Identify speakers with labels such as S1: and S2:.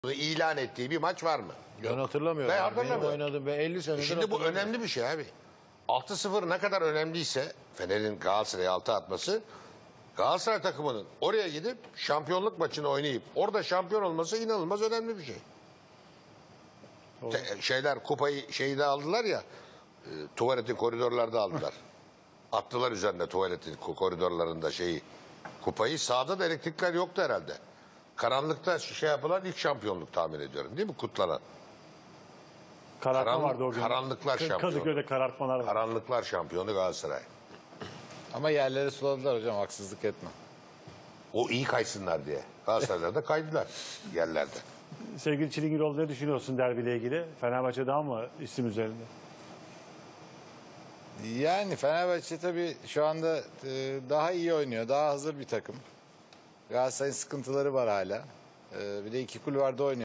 S1: ilan ettiği bir maç var mı?
S2: Ben hatırlamıyorum.
S1: Ben hatırlamıyorum.
S2: Benim oynadığım, ben 50 senedir
S1: Şimdi bu önemli bir şey abi. 6-0 ne kadar önemliyse Fener'in Galatasaray'a 6 atması, Galatasaray takımının oraya gidip şampiyonluk maçını oynayıp orada şampiyon olması inanılmaz önemli bir şey. Kupayı şeyde aldılar ya, tuvaletin koridorlarda aldılar. Attılar üzerine tuvaletin koridorlarında kupayı. Sahada da elektrikler yoktu herhalde. Karanlıkta yapılan ilk şampiyonluk tahmin ediyorum, değil mi, kutlanan?
S3: Karartma vardı o gün.
S1: Karanlıklar şampiyonu.
S3: Kadıköy'de karartmalar var.
S1: Karanlıklar şampiyonu Galatasaray.
S2: Ama yerleri suladılar hocam, haksızlık etme.
S1: O iyi kaysınlar diye. Galatasaray'da da kaydılar yerlerde.
S3: Sevgili Çilingiroğlu, ne düşünüyorsun derbiyle ilgili? Fenerbahçe daha mı isim üzerinde?
S2: Yani Fenerbahçe tabii şu anda daha iyi oynuyor. Daha hazır bir takım. Galatasaray'ın sıkıntıları var hala. Bir de iki kulvarda oynuyor.